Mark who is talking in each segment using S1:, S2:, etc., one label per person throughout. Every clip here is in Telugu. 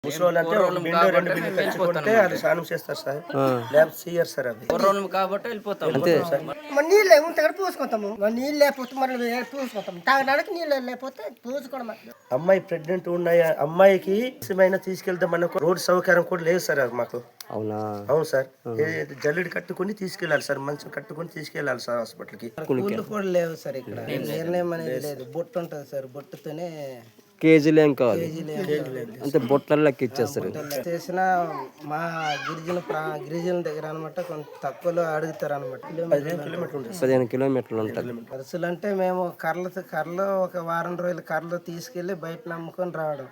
S1: ముసలోళ్ళు అంటే ఒక బిందె రెండు బిందెలు తెచ్చుకుంటే అది స్నానం చేస్తారు సార్, లేకపోతే చేయరు సార్. అది
S2: కాబట్టి వెళ్ళిపోతాం
S3: అంతే.
S4: మరి నీళ్ళు ఉంటే పూసుకుంటాము, మరి నీళ్ళు లేకపోతే మరి పూసుకుంటాం, తాగడానికి నీళ్ళు లేకపోతే పూసుకోవడం.
S1: అమ్మాయి ప్రెగ్నెంట్ ఉన్నాయి, అమ్మాయికి ఏమైనా తీసుకెళ్తే మనకు రోడ్ సౌకర్యం కూడా లేదు సార్ అది మాకు.
S3: అవునా?
S1: అవును సార్, జల్లుడి కట్టుకుని తీసుకెళ్ళాలి సార్, మంచం కట్టుకుని తీసుకెళ్ళాలి సార్ హాస్పిటల్కి.
S4: కూళ్ళు కూడా లేవు సార్ ఇక్కడ, నిర్ణయం అనేది లేదు. బొట్టు ఉంటుంది సార్, బొట్టుతోనే
S3: కేజీలు ఏం కావాలి అంటే బొట్లలో లెక్క ఇచ్చేస్తారు.
S4: చేసిన మా గిరిజనుల దగ్గర అనమాట కొంత తక్కువలో అడుగుతారు అనమాట.
S3: 15 కిలోమీటర్లు ఉంటుంది.
S4: ఖర్చులు అంటే మేము కర్రలు ఒక వారం రోజులు కర్రలు తీసుకెళ్లి బయట అమ్ముకొని రావడం.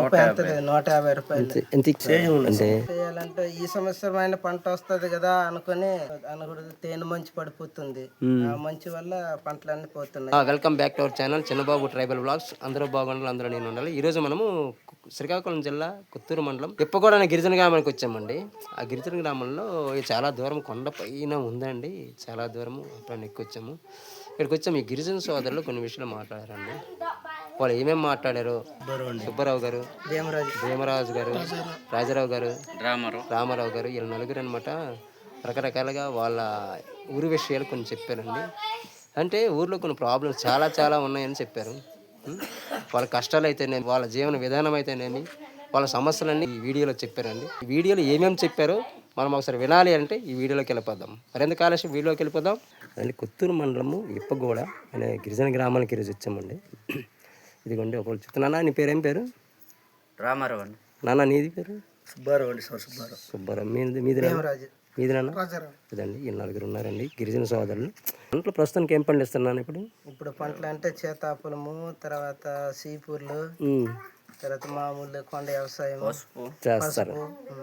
S4: 150 రూపాయలు
S3: ఎంత అంటే
S4: చేయాలంటే ఈ సంవత్సరమైన పంట వస్తుంది కదా అనుకుని అనకూడదు, తేనె మంచి పడిపోతుంది, ఆ మంచి వల్ల పంటలన్నీ పోతున్నాయి.
S3: Welcome back to our channel Chinnababu tribal blogs. అందరూ బాగుండాలి, అందరూ నేను ఉండాలి. ఈరోజు మనము శ్రీకాకుళం జిల్లా కొత్తూరు మండలం ఇప్పగూడ అనే గిరిజన గ్రామానికి వచ్చామండి. ఆ గిరిజన గ్రామంలో చాలా దూరం కొండ పైన ఉందండి, చాలా దూరము అప్పుడు ఎక్కొచ్చాము. ఇక్కడికి వచ్చాము. ఈ గిరిజన సోదరులు కొన్ని విషయాలు మాట్లాడారండి. వాళ్ళు ఏమేమి మాట్లాడారు, సుబ్బారావు గారు, భీమరాజు గారు, రాజారావు గారు, రామారావు గారు, వీళ్ళ నలుగురు అనమాట రకరకాలుగా వాళ్ళ ఊరి విషయాలు కొన్ని చెప్పారండి. అంటే ఊర్లో కొన్ని ప్రాబ్లమ్స్ చాలా ఉన్నాయని చెప్పారు. వాళ్ళ కష్టాలు అయితేనేమి, వాళ్ళ జీవన విధానం అయితేనేమి, వాళ్ళ సమస్యలన్నీ ఈ వీడియోలో చెప్పారండి. ఈ వీడియోలో ఏమేమి చెప్పారో మనం ఒకసారి వినాలి అంటే ఈ వీడియోలోకి వెళ్ళిపోదాం. మరెందుకు ఆలస్యం, వీడియోకి వెళ్ళిపోదాం. అది కొత్తూరు మండలము ఇప్పగూడ అనే గిరిజన గ్రామానికి ఈరోజు వచ్చామండి. ఇదిగోండి ఒకళ్ళు చెప్తున్నా. నీ పేరు ఏం పేరు?
S2: రామారావు అండి.
S3: నాన్న నీది పేరు?
S1: సుబ్బారావు అండి.
S3: సుబ్బారావు. మీది నాన్న? ఇదండి ఈ నలుగురు ఉన్నారండి గిరిజన సోదరులు. పంటలు ప్రస్తుతానికి ఏం పండిస్తున్నాను ఇప్పుడు?
S4: పంటలు అంటే చేతాపులము, తర్వాత సీపూర్లు, తర్వాత మామూలు కొండ వ్యవసాయం
S3: చేస్తారు.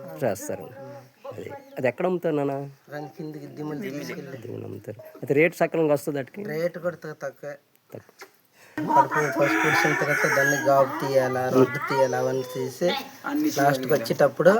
S3: అది ఎక్కడ అమ్ముతారు నాన్న?
S4: కిందికి దిమ్ములు
S3: అమ్ముతారు. అయితే రేటు సక్రమంగా వస్తుంది? వాటికి
S4: రేటు కూడా తక్కువ. ఫస్ట్ పుడిసిన తర్వాత దాన్ని గాబు తీయాలా, రొడ్డు తీయాలా, అవన్నీ తీసి లాస్ట్కి వచ్చేటప్పుడు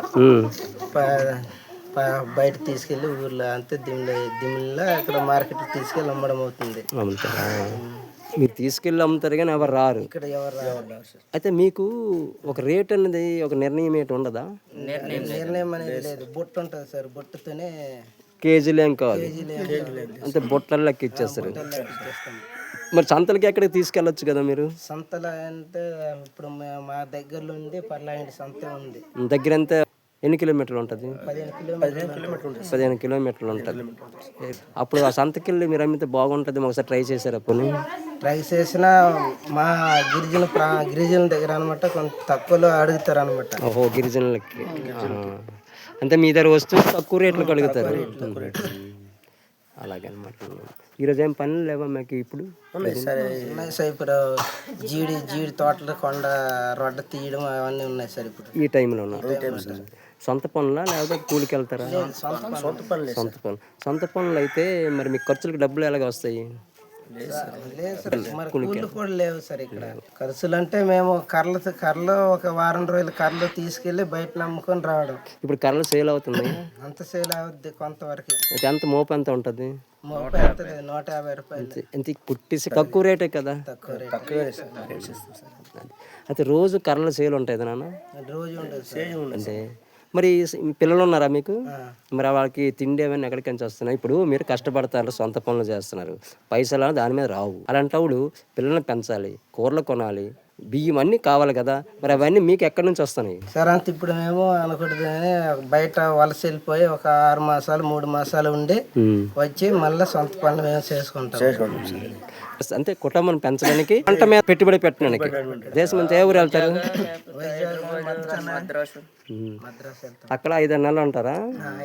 S4: బయట తీసుకెళ్ళి ఊర్లో అంతే దిమ్మిలో అక్కడ మార్కెట్ తీసుకెళ్ళి అమ్మడం అవుతుంది.
S3: మీరు తీసుకెళ్ళి అమ్ముతారు కానీ ఎవరు రారు
S4: ఇక్కడ, ఎవరు రారు.
S3: అయితే మీకు ఒక రేట్ అనేది ఒక నిర్ణయం ఏంటి ఉండదా?
S4: నిర్ణయం అనేది లేదు, బొట్టు ఉంటుంది సార్, బొట్టుతోనే
S3: కేజీలు ఏం కావాలి అంటే బొట్లలో లెక్క ఇచ్చేస్తారు. మరి సంతలకి ఎక్కడికి తీసుకెళ్ళొచ్చు కదా మీరు?
S4: సంతల అంటే ఇప్పుడు మా దగ్గరలో ఉంది పర్లాంటి సంత ఉంది.
S3: దగ్గర ఎంత, ఎన్ని కిలోమీటర్లు ఉంటుంది?
S4: 15
S3: కిలోమీటర్లు ఉంటుంది. అప్పుడు ఆ సంతకెళ్ళి మీరు అమ్మితే బాగుంటుంది. ఒకసారి ట్రై చేశారు? అప్పుడు
S4: ట్రై చేసిన మా గిరిజనుల దగ్గర అనమాట కొంత తక్కువలో అడుగుతారు అనమాట.
S3: ఓహో, గిరిజనులకి. అంటే మీ దగ్గర వస్తువు తక్కువ రేట్లకు అడుగుతారు. అలాగే అనమాట. ఈరోజు ఏం పనులు లేవా మీకు ఇప్పుడు?
S4: ఉన్నాయి సార్, ఇప్పుడు జీడి తోటలు, కొండ రొడ్డ తీయడం అవన్నీ ఉన్నాయి సార్ ఇప్పుడు
S3: ఈ టైంలో. సొంత పనులా లేకపోతే కూలికి వెళ్తారా? సొంత పనులు అయితే మరి మీకు ఖర్చులకు డబ్బులు ఎలాగ వస్తాయి?
S4: కూలి కూడా లేవు సార్ ఇక్కడ. ఖర్చులు అంటే మేము కర్రలు ఒక వారం రోజులు కర్రలు తీసుకెళ్లి బయట అమ్ముకొని రావడం.
S3: ఇప్పుడు కర్రలు సేల్ అవుతుంది?
S4: అంత సేల్ అవుద్ది కొంతవరకు.
S3: ఎంత మోపు ఎంత ఉంటుంది?
S4: 150 రూపాయలు.
S3: ఎంత పుట్టేసి తక్కువ రేటే కదా?
S4: తక్కువ.
S3: అయితే రోజు కర్రలు సేల్ ఉంటాయి నాన్న?
S4: రోజు ఉంటుంది.
S3: అంటే మరి పిల్లలు ఉన్నారా మీకు? మరి వాళ్ళకి తిండి ఏమైనా ఎక్కడికి నుంచి వస్తున్నాయి? ఇప్పుడు మీరు కష్టపడతారు, సొంత పనులు చేస్తున్నారు, పైసలు దాని మీద రావు. అలాంటప్పుడు పిల్లల్ని పెంచాలి, కూరలు కొనాలి, బియ్యం అన్నీ కావాలి కదా. మరి అవన్నీ మీకు ఎక్కడి నుంచి వస్తున్నాయి
S4: సార్? అంత ఇప్పుడు మేము అనకూడదు కానీ బయట వలస వెళ్ళిపోయి ఒక 6 మాసాలు 3 మాసాలు ఉండి వచ్చి మళ్ళీ సొంత పనులు మేము చేసుకుంటాం.
S3: అంటే కుటుంబం పెంచడానికి, పంట మీద పెట్టుబడి పెట్టడానికి. దేశం నుంచి ఏ ఊరు వెళ్తారు? అక్కడ 5-6 నెలలు ఉంటారా?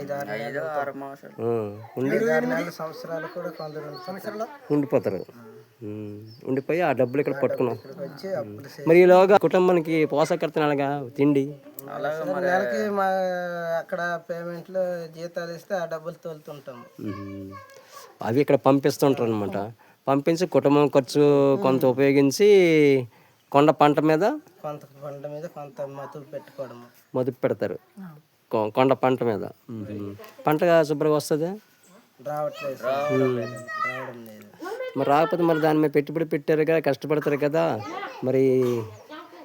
S4: 5-6 సంవత్సరాలు కూడా కొందరు
S3: ఉండిపోతారు. ఉండిపోయి ఆ డబ్బులు ఇక్కడ పట్టుకున్నాం. మరి ఈలోగా కుటుంబానికి పోషకర్తలు అలాగా తిండి
S4: నెలకి మా అక్కడ పేమెంట్లు జీతాలు ఇస్తే ఆ డబ్బులు తోలుతుంటాము.
S3: అవి ఇక్కడ పంపిస్తుంటారు అనమాట. పంపించి కుటుంబం ఖర్చు కొంత ఉపయోగించి కొండ పంట మీద
S4: కొంత
S3: మదుపు పెడతారు. కొండ పంట మీద పంట శుభ్రంగా వస్తుంది?
S4: రావడం లేదు.
S3: మరి రాకపోతే మరి దాని మీద పెట్టుబడి పెట్టారు కదా, కష్టపడతారు కదా. మరి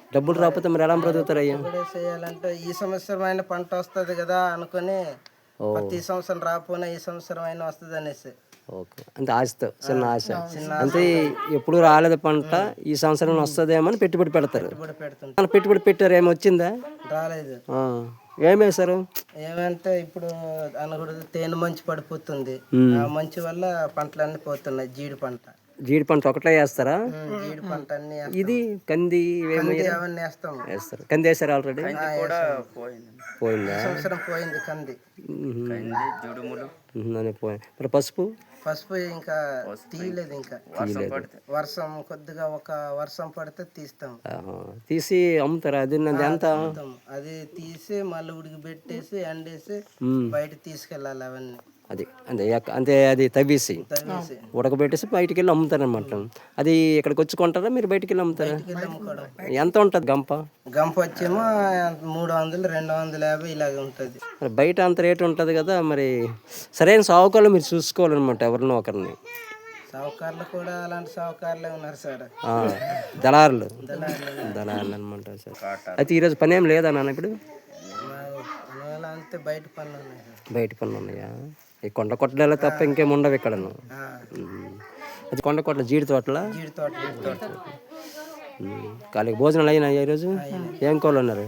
S3: డబ్బులు రాకపోతే మరి ఎలా బ్రతుకుతారు అయ్యా?
S4: కూడా చేయాలంటే ఈ సంవత్సరమైన పంట వస్తుంది కదా అనుకుని ప్రతి సంవత్సరం రాకపోయినా ఈ సంవత్సరం అయినా వస్తుంది అనేసి.
S3: ఓకే, అంటే ఆశతో, చిన్న ఆశ. అంటే ఎప్పుడు రాలేదు పంట, ఈ సంవత్సరం వస్తుందేమో అని పెట్టుబడి పెడతారు.
S4: పెట్టుబడి పెడుతుంది.
S3: మన పెట్టుబడి పెట్టారు, ఏమి వచ్చిందా?
S4: రాలేదు.
S3: ఏమేశారు?
S4: ఏమంటే ఇప్పుడు అనకూడదు, తేనె మంచు పడిపోతుంది. ఆ మంచు వల్ల పంటలన్నీ పోతున్నాయి. జీడి పంట
S3: ఒకటే వేస్తారా?
S4: జీడి పంట అన్ని
S3: ఇది కంది
S4: అవన్నీ వేస్తాం.
S3: వేస్తారు. కంది వేస్తారు ఆల్రెడీ?
S2: కూడా పోయింది.
S3: పోయిందా?
S4: సంవత్సరం పోయింది కంది.
S2: జుడుములు
S3: పోయింది. మరి పసుపు
S4: ఇంకా తీయలేదు. ఇంకా వర్షం కొద్దిగా ఒక వర్షం పడితే తీస్తాం.
S3: తీసి అమ్ముతారా? అది ఎంత?
S4: అది తీసి మళ్ళీ ఉడికి పెట్టేసి ఎండేసి బయట తీసుకెళ్ళాలి అవన్నీ.
S3: అది అంటే అది తవ్వేసి ఉడకబెట్టేసి బయటికి వెళ్ళి అమ్ముతారనమాట. అది ఇక్కడికి వచ్చి కొంటారా, మీరు బయటికి వెళ్ళి అమ్ముతారా? ఎంత ఉంటుంది గంప?
S4: గంప వచ్చేమో 300, 250 ఇలాగ ఉంటుంది.
S3: మరి బయట అంత రేటు ఉంటుంది కదా, మరి సరైన సావుకారులు మీరు చూసుకోవాలన్నమాట, ఎవరినో ఒకరిని.
S4: సావుకారులు కూడా అలాంటి సావుకారులే ఉన్నారు సార్.
S3: దళారులు అనమాట సార్. అయితే ఈరోజు పని ఏం లేదా నాన్న? ఇప్పుడు
S4: అంతే బయట పనులు ఉన్నాయి.
S3: బయట పనులు ఉన్నాయా? ఈ కొండ కొట్టడాలో తప్ప ఇంకేం ఉండవు ఇక్కడ. అది కొండ కొట్ల జీడి తోటలా?
S4: జీడి తోట.
S3: ఖాళీ భోజనాలు అయినా ఈరోజు? ఏం కూరలు ఉన్నారు?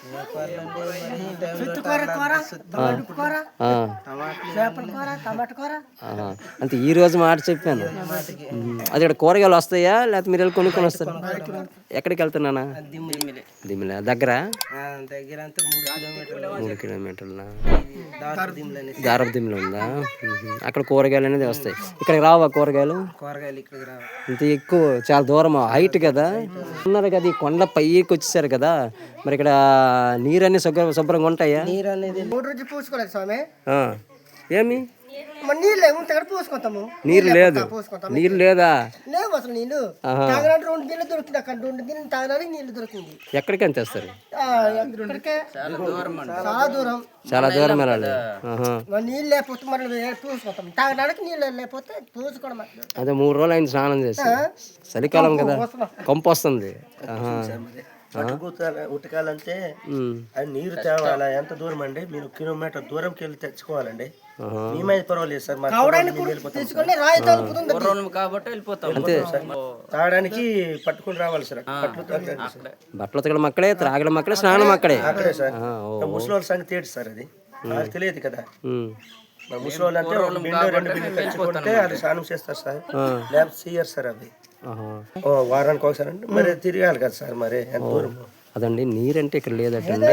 S3: అంటే ఈ రోజు మాట చెప్పాను. అది ఇక్కడ కూరగాయలు వస్తాయా లేకపోతే మీరు వెళ్ళి కొనుక్కొని వస్తారు? ఎక్కడికి వెళ్తున్నానా? దిమ్మిలా దగ్గర? 3 కిలోమీటర్ల దారపు దిమ్మిలో ఉందా? అక్కడ కూరగాయలు అనేది వస్తాయి. ఇక్కడికి రావా కూరగాయలు? ఇంత ఎక్కువ, చాలా దూరం, హైట్ కదా ఉన్నారు కదా, ఈ కొండ పైకి వచ్చేసారు కదా, మరి ఇక్కడ నీరు అన్ని శుభ్రంగా ఉంటాయా?
S4: నీరు అనేది 3 రోజులు పూసుకోలేదు స్వామి.
S3: ఏమి
S4: పూసుకుంటాము?
S3: నీరు లేదు? నీరు లేదా?
S4: లేవు అసలు నీళ్ళు. తాగడానికి 2 గిన్నెలు దొరుకుతుంది. అక్కడ 2 గిన్నెలు తాగడానికి నీళ్ళు దొరుకుతుంది.
S3: ఎక్కడికి ఎంత వేస్తారు?
S4: చాలా దూరం
S3: వెళ్ళాలి.
S4: నీళ్ళు లేకపోతే మనం పూసుకుంటాం. తాగడానికి నీళ్ళు లేకపోతే పూసుకోవడం.
S3: అదే 3 రోజులు ఆయన స్నానం చేసి, చలికాలం కదా, కంపు వస్తుంది.
S1: ఉతకాలంటే అది నీరు తేవాలా? ఎంత దూరం అండి? మీరు కిలోమీటర్ దూరంకి వెళ్ళి తెచ్చుకోవాలండి. మేమైతే పర్వాలేదు సార్,
S2: కాబట్టి వెళ్ళిపోతాం.
S1: తాగడానికి పట్టుకుని రావాలి సార్.
S3: బట్టలు ఉతకడం అక్కడే, త్రాగడం అక్కడే, స్నానం అక్కడే.
S1: అక్కడే సార్. ముసలి సంగతి ఏంటి సార్? అది వాళ్ళకి తెలియదు కదా. ముసలి అంటే 2 బిల్లు తెచ్చుకుంటే అది స్నానం చేస్తారు సార్, లేకపోతే చెయ్యరు సార్. అది వారానికి ఒకసారి అంటే మరి తిరగాలి కదా సార్. మరి ఎంత దూరం?
S3: అదండి, నీరంటే ఇక్కడ లేదటండి.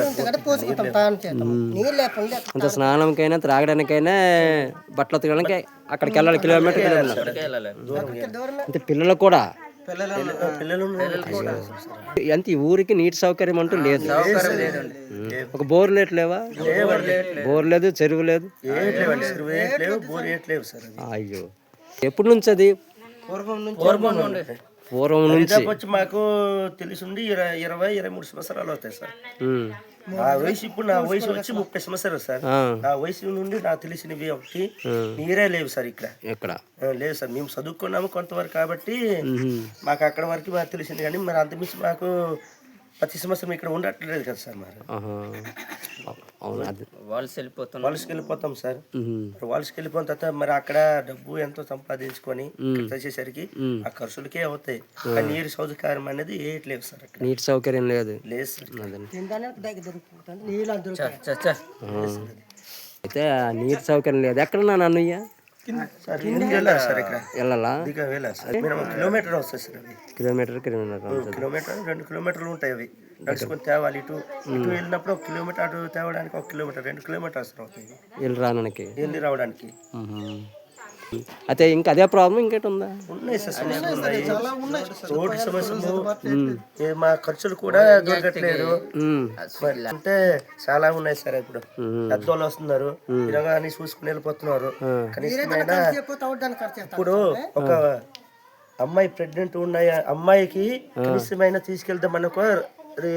S3: అంత స్నానంకైనా త్రాగడానికైనా బట్టలు ఉతకడానికి అక్కడికి వెళ్ళాలి, కిలోమీటర్. అంటే పిల్లలు కూడా అంత ఈ ఊరికి నీటి సౌకర్యం అంటూ లేదు. ఒక బోర్ లేవా? బోర్ లేదు, చెరువు లేదు. అయ్యో, ఎప్పటి నుంచి అది? పూర్వం నుంచి
S1: వచ్చి మాకు తెలిసిండి 20-23 సంవత్సరాలు అవుతాయి సార్. నా వయసు ఇప్పుడు, నా వయసు వచ్చి 30 సంవత్సరాలు సార్. నా వయసు నుండి నాకు తెలిసినవి ఒకటి నీరే లేవు సార్. ఇక్కడ లేదు సార్. మేము చదువుకున్నాము కొంతవరకు కాబట్టి మాకు అక్కడ వరకు మాకు తెలిసింది, కానీ మరి అంతమించి మాకు ప్రతి సంవత్సరం ఇక్కడ ఉండట్లేదు కదా సార్. మరి
S2: వాళ్ళకి
S1: వెళ్ళిపోతాం సార్. వాళ్ళకి వెళ్ళిపోయిన తర్వాత మరి అక్కడ డబ్బు ఎంతో సంపాదించుకొని వచ్చేసరికి ఆ ఖర్చులకే అవుతాయి. నీరు సౌకర్యం అనేది ఏట్లేదు సార్.
S3: నీటి సౌకర్యం లేదు
S1: సార్.
S3: అయితే నీటి సౌకర్యం లేదు. ఎక్కడ నా అన్నయ్య? వెళ్ళాలా?
S1: కిలోమీటర్ వస్తుంది సార్.
S3: కిలోమీటర్
S1: 2 కిలోమీటర్లు ఉంటాయి. అవి నడుచుకొని తేవాలి. ఇటు వెళ్ళినప్పుడు 1 కిలోమీటర్, అటు తేవడానికి 1 కిలోమీటర్, 2 కిలోమీటర్స్ అవుతాయి వెళ్ళి రావడానికి.
S3: అయితే ఇంకా అదే ప్రాబ్లం ఇంకేటి ఉందా?
S1: ఉన్నాయి సార్, రోడ్డు సమస్యలు, మా ఖర్చులు కూడా దొరకట్లేదు. అంటే చాలా ఉన్నాయి సార్. ఇప్పుడు పెద్దోళ్ళు వస్తున్నారు, ఇలాగా అన్ని చూసుకుని వెళ్ళిపోతున్నారు. కనీసమైన ఇప్పుడు ఒక అమ్మాయి ప్రెగ్నెంట్ ఉన్న అమ్మాయికి కనీసమైన తీసుకెళ్తే మనకు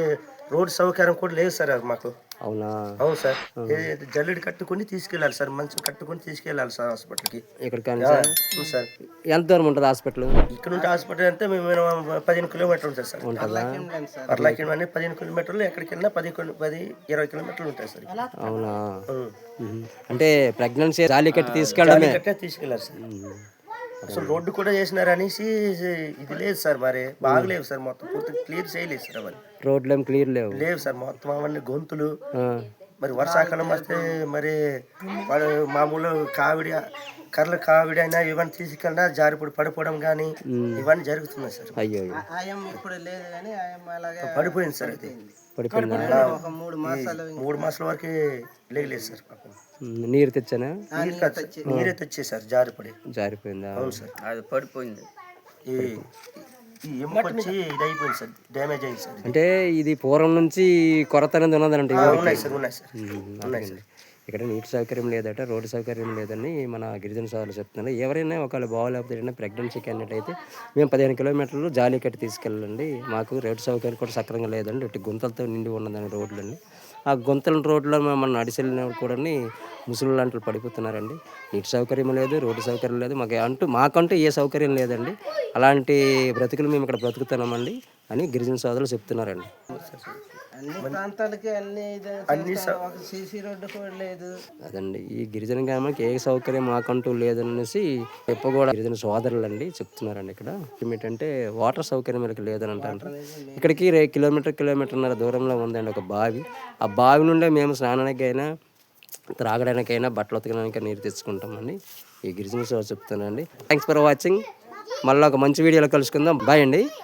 S1: రోడ్ సౌకర్యం కూడా లేదు సార్ మాకు.
S3: అవునా?
S1: అవును సార్, జల్లెడ కట్టుకొని తీసుకెళ్ళాలి సార్, మంచం కట్టుకొని తీసుకెళ్ళాలి సార్ హాస్పిటల్కి.
S3: ఇక్కడ కానీ సార్
S1: అవును సార్.
S3: ఎంత దూరం ఉంటుంది హాస్పిటల్?
S1: ఇక్కడ నుండి హాస్పిటల్ అంటే మేము 15 కిలోమీటర్లు ఉంటుంది సార్.
S3: ఉంటుందా?
S1: పర్లాకి అని 15 కిలోమీటర్లు, ఎక్కడికి వెళ్ళినా 10-20 కిలోమీటర్లు ఉంటాయి సార్.
S3: అవునా? అంటే ప్రెగ్నెన్సీ జాలి కట్టి తీసుకెళ్ళడమే.
S1: కట్టే తీసుకెళ్ళాలి సార్. అసలు రోడ్డు కూడా చేసినారు అనేసి ఇది లేదు సార్, మరి బాగలేవు సార్, మొత్తం పూర్తి క్లియర్ చేయలేదు సార్ అవన్నీ.
S3: రోడ్లు ఏం క్లియర్
S1: లేవు సార్, మొత్తం అవన్నీ గొంతులు. మరి వర్షాకాలం వస్తే మరి మామూలు కర్రలు కావిడి అయినా ఇవన్నీ తీసుకెళ్ళినా జారిపడి పడిపోవడం కానీ ఇవన్నీ జరుగుతున్నాయి సార్.
S3: అయ్యో,
S4: ఆయం ఇప్పుడు లేదు కానీ ఆయం అలాగే
S1: పడిపోయింది సార్. అది
S3: పడిపోయిందా?
S4: ఒక 3
S1: మాసాల వరకు లేదు సార్ పాపం.
S3: నీరు తెచ్చానా?
S1: నీరే తెచ్చేసారు,
S3: జారిపోయిందా?
S1: అవును సార్,
S2: అది పడిపోయింది.
S1: ఈ ఎముకొచ్చి ఇది అయిపోయింది సార్, డ్యామేజ్ అయింది సార్.
S3: అంటే ఇది పూర్వం నుంచి కొరత అనేది ఉన్నదంటే
S1: ఉన్నాయి సార్, ఉన్నాయి సార్.
S3: ఇక్కడ నీటి సౌకర్యం లేదట, రోడ్డు సౌకర్యం లేదని మన గిరిజన సోదరులు చెప్తున్నారు. ఎవరైనా ఒకవేళ బాగోలేకపోతే ఏదైనా ప్రెగ్నెన్సీ క్యాండిడేట్ అయితే మేము 15 కిలోమీటర్లు జాలి కట్టి తీసుకెళ్ళండి, మాకు రోడ్డు సౌకర్యం కూడా సక్రంగా లేదండి, ఇటు గుంతలతో నిండి ఉన్నదని రోడ్లన్నీ. ఆ గుంతల రోడ్లో మనం నడిచెళ్ళినప్పుడు కూడా ముసలి లాంటి పడిపోతున్నారండి. నీటి సౌకర్యం లేదు, రోడ్డు సౌకర్యం లేదు, మాకంటూ ఏ సౌకర్యం లేదండి. అలాంటి బ్రతుకులు మేము ఇక్కడ బ్రతుకుతున్నామండి అని గిరిజన సోదరులు చెప్తున్నారండి.
S4: అన్ని ప్రాంతాలకి అన్ని సీసీ రోడ్డు కూడా లేదు.
S3: అదండి, ఈ గిరిజన గ్రామానికి ఏ సౌకర్యం మాకంటూ లేదనేసి కూడా గిరిజన సోదరులు అండి చెప్తున్నారండి. ఇక్కడ ఏమిటంటే వాటర్ సౌకర్యం వీళ్ళకి లేదని అంటారు. ఇక్కడికి కిలోమీటర్న్నర దూరంలో ఉందండి ఒక బావి. ఆ బావి నుండే మేము స్నానానికైనా త్రాగడానికైనా బట్టలు ఉతకడానికైనా నీరు తెచ్చుకుంటామండి. ఈ గిరిజన సోదరులు చెప్తానండి. Thanks for watching. మళ్ళీ ఒక మంచి వీడియోలో కలుసుకుందాం. బాయ్ అండి.